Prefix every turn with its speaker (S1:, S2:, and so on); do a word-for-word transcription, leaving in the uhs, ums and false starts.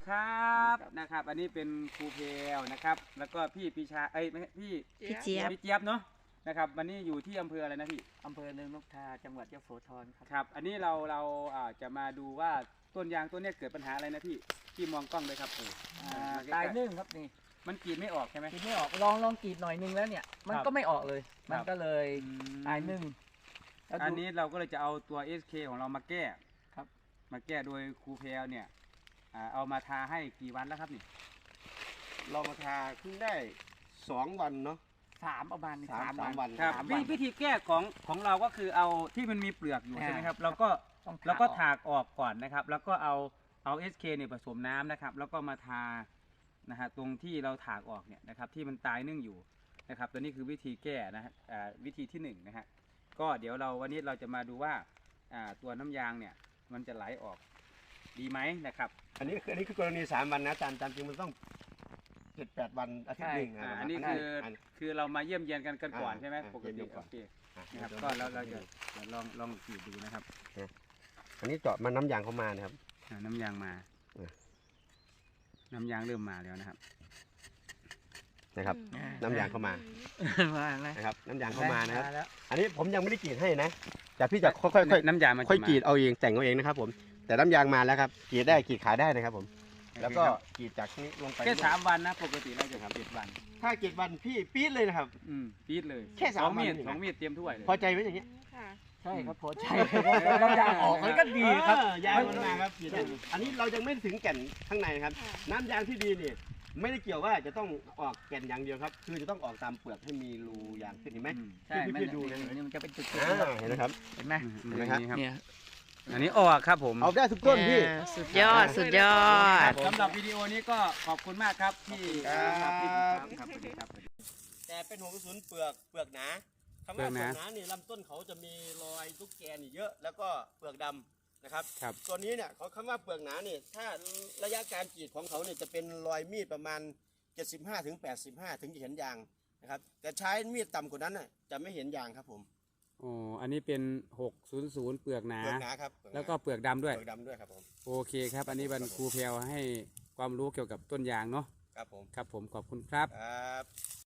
S1: ครับนะครับอันนี้เป็นครูเพลนะครับแล้วก็พี่ปีชาเอ้ยไม่พี่
S2: พี่เจี๊ยบ
S1: พี่เจี๊ยบเนาะนะครับวันนี้อยู่ที่อำเภออะไรนะพี่
S3: อำเภอเนินนกทาจังหวัดยโสธรครับ
S1: ครับอันนี้เราเราอ่าจะมาดูว่าต้นยางต้นเนี้ยเกิดปัญหาอะไรนะพี่พี่มองกล้องเลยครับเออ
S3: อ่า
S1: มาใกล้ๆ
S3: ตายนึ่งครับนี่
S1: มันกรีดไม่ออกใช่ไหม
S3: กรีดไม่ออกลองลองกรีดหน่อยนึงแล้วเนี่ย มัน
S1: ครับ
S3: ก็ไม่ออกเลย มันก็เลย
S1: อืม
S3: ตายนึ่งแล้ว
S1: อัน
S3: ดู
S1: นี้เราก็เลยจะเอาตัว เอส เค ของเรามาแก้
S3: ครับ
S1: มาแก้โดยครูเพลเนี่ยอ่าเอามาทาให้กี่วันแล้วครับนี่
S4: เรามาทาเพิ่งได้สองวันเนาะ
S3: สามประมาณนี้
S4: สามสามวัน
S1: ครับ
S3: สาม
S1: วิ
S3: วัน
S1: วิธีแก้ของของเราก็คือเอาที่มันมีเปลือกอยู่
S3: อ่า
S1: ใช่ไหมครับเราก็
S3: ต้อง
S1: แล้วก็
S3: ออ
S1: ถากออกก่อนนะครับ แล้วก็เอาเอา เอส เค เนี่ยผสมน้ำนะครับ แล้วก็มาทานะฮะตรงที่เราถากออกเนี่ยนะครับที่มันตายนึ่งอยู่นะครับตัวนี้คือวิธีแก้นะฮะอ่าวิธีที่หนึ่งนะฮะก็เดี๋ยวเราวันนี้เราจะมาดูว่าอ่าตัวน้ำยางเนี่ยมันจะไหลออกดีไหมนะครับ
S4: อันนี้คืออันนี้คือกรณีสามวันนะตามตามจริงมันต้องเจ็ดแปดวันอาทิตย์หนึ่ง
S1: อ่า
S4: ะ
S1: อันนี้
S4: รับ
S1: คืออคือเรามาเยี่ยมเยียนกันกันก่อน
S4: อ่า
S1: ใช่ไหม
S4: อ่า
S1: ปกติ
S4: เยี่ยมๆก่
S1: โอ
S4: อน
S1: เค
S4: อ่ะ
S1: นะครับ
S4: ดี๋ยว
S1: ก็เราเราจะเดี๋ยวลองลองกรีดดูนะครับ
S4: อันนี้เจาะมันน้ำยางเข้ามานะครับ
S1: อ่าน้ำยางมา
S4: เออ
S1: น้ำยางเริ่มมาแล้วนะครับ
S4: นะครับ น้ำยางเข้ามา
S3: มาแล้ว
S4: นะครับน้ำยางเข้ามานะครับ
S3: แล้ว
S4: อันนี้ผมยังไม่ได้กรีดให้นะแต่พี่จะค่อยๆค่อย
S1: น้ำยางมันจะ
S4: ค่อย
S1: มาก
S4: รีดเอาเองแต่งเอาเองนะครับผมแต่น้ำยางมาแล้วครับกรีดได้กรีดขายได้นะครับผม แล้วก็กรีดจากนี้ลงไป
S1: แค่สามวันนะปกติเราจะทำเจ็ดวัน
S4: ถ้ากรีดวันพี่ปี๊ดเลยนะครับ
S1: อืมปี๊ดเลย
S4: แค่สาม
S1: สองมีด
S4: วันเองนะ
S1: สองมีดเตรียมถ้วยเลย
S4: พอใจไหมอย่างเงี้ย
S2: ค่ะ
S3: ใช่ครับพอใจแล้วน้ำยางออกมันก็ดีครับ
S4: เออยางมันมาครับกรีดได้อันนี้เรายังไม่ถึงแก่นข้างในนะครับ
S2: ค่ะ
S4: น้ำยางที่ดีนี่ไม่ได้เกี่ยวว่าจะต้องออกแก่นอย่างเดียวครับ คือจะต้องออกตามเปลือกให้มีรูยางขึ้นเห็นไหม
S1: อืม
S3: ใช่
S4: พี่
S3: มัน
S4: พี่ดูเลย
S3: นี่มันจะเป็นจุด
S4: อ่าเห็นไหมครับ
S3: เห็นไหม
S1: อื
S4: เห็นไหมครับ
S1: นี่ครับ
S3: เนี่ย
S1: อันนี้ออกครับผม
S4: เอาได้ทุกต้นพี่
S2: สุดยอด สุดยอด
S1: สำหรับวิดีโอนี้ก็ขอบคุณมากครับที่
S4: ครับ
S1: ที่ติดตามครับสวัสดีครับ
S4: แต่เป็นหัวกระสุนเปลือกเปลือกหนาคำว่าเปลือกหนานี่ลำต้นเขาจะมีรอยตุ๊กแกนี่เยอะ แล้วก็เปลือกดำนะครับ
S1: ครับ
S4: ตัวนี้เนี่ยเขาคำว่าเปลือกหนาเนี่ยถ้าระยะการกรีดของเขาเนี่ยจะเป็นรอยมีดประมาณ เจ็ดสิบห้าถึงแปดสิบห้า ถึงจะเห็นยางนะครับแต่ใช้มีดต่ำกว่านั้นน่ะจะไม่เห็นยางครับผม
S1: อ๋ออันนี้เป็นหกศูนย์ศูนย์เปลือกหนา
S4: เปลือกหนาครับเปลือหนา
S1: แล้วก็เปลือกดำด้วย
S4: เปลือกดำด้วยครับผม
S1: โอเคครับ อันนี้บรรครูเพลให้ความรู้เกี่ยวกับต้นยางเนาะ
S4: ครับผม
S1: ครับผมขอบคุณครับ
S4: ครับ